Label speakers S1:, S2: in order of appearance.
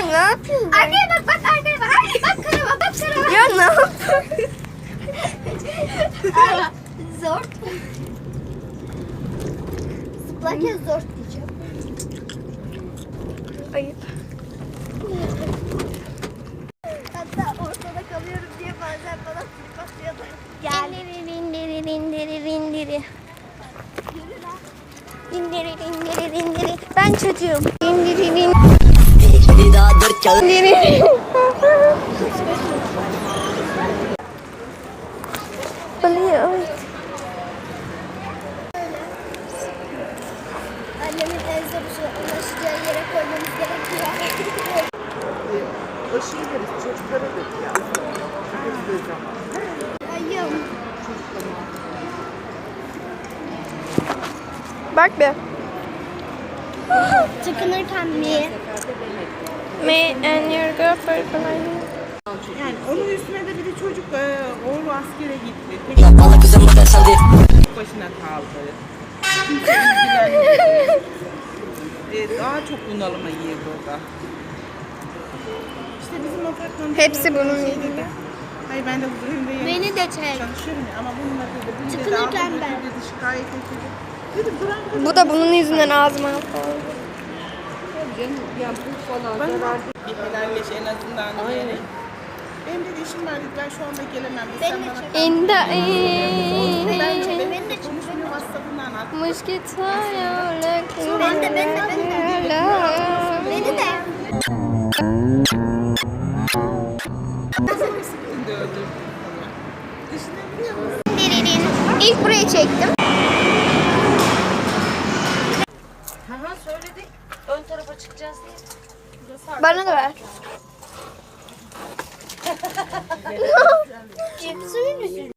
S1: ne yapıyorsun?
S2: Arkaya bak bak arkaya bak. Bak karama bak karama.
S1: Ya ne yapıyorsun?
S2: Zor. Zıplarken zor diyeceğim.
S1: Ayıp.
S2: Hatta ortada kalıyorum diye bazen bana trip atıyorlar. Gel.
S1: İndiri indiri indiri. İndiri indiri indiri. Ben çocuğum. İndiri indiri.
S3: Bir daha 4 kağıt.
S1: İndiri. Oluyor.
S2: Annemin en zor ulaşacağı yere koymamız gerekiyor.
S4: O şey deriz, çocuklara da ya. Çocuklar zaman.
S2: Ayım.
S1: Bak be.
S2: Tıkınırken mi?
S1: Me and your girlfriend.
S4: Yani onun üstüne de bir de çocuk oğlu askere gitti.
S3: Valla kızım bu da saldı.
S4: Tek başına kaldı. Kimse ilgilenmedi. Daha çok bunalıma girdi o da. İşte bizim apartmanda...
S1: Hepsi bunun
S4: şey
S1: yüzünden.
S4: dedi. Hayır ben de huzur evinde
S2: Beni de çek.
S4: çalışıyorum ya ama bununla dedi. Bir de
S2: Tıkınırken
S4: daha
S2: ben.
S4: dedi şikayet etti. Dedim bırak.
S1: Bu da bunun yüzünden ağzıma aldı.
S4: Bana bir helalleş en azından diye. Benim de işim var dedi. Ben şu anda gelemem. Sen
S2: Beni de
S4: bana
S2: çek.
S1: In the
S2: Beni de çek.
S1: air.
S2: Beni de çek.
S4: konuşmuyor WhatsApp'ından at.
S1: Mosquito
S2: Ben de. Beni de.
S4: Şimdi öldürdüm. Düşünebiliyor musun?
S1: İlk burayı çektim.
S5: Aha söyledik. Ön tarafa çıkacağız diye.
S1: Bana da ver.
S2: Cipsi mi?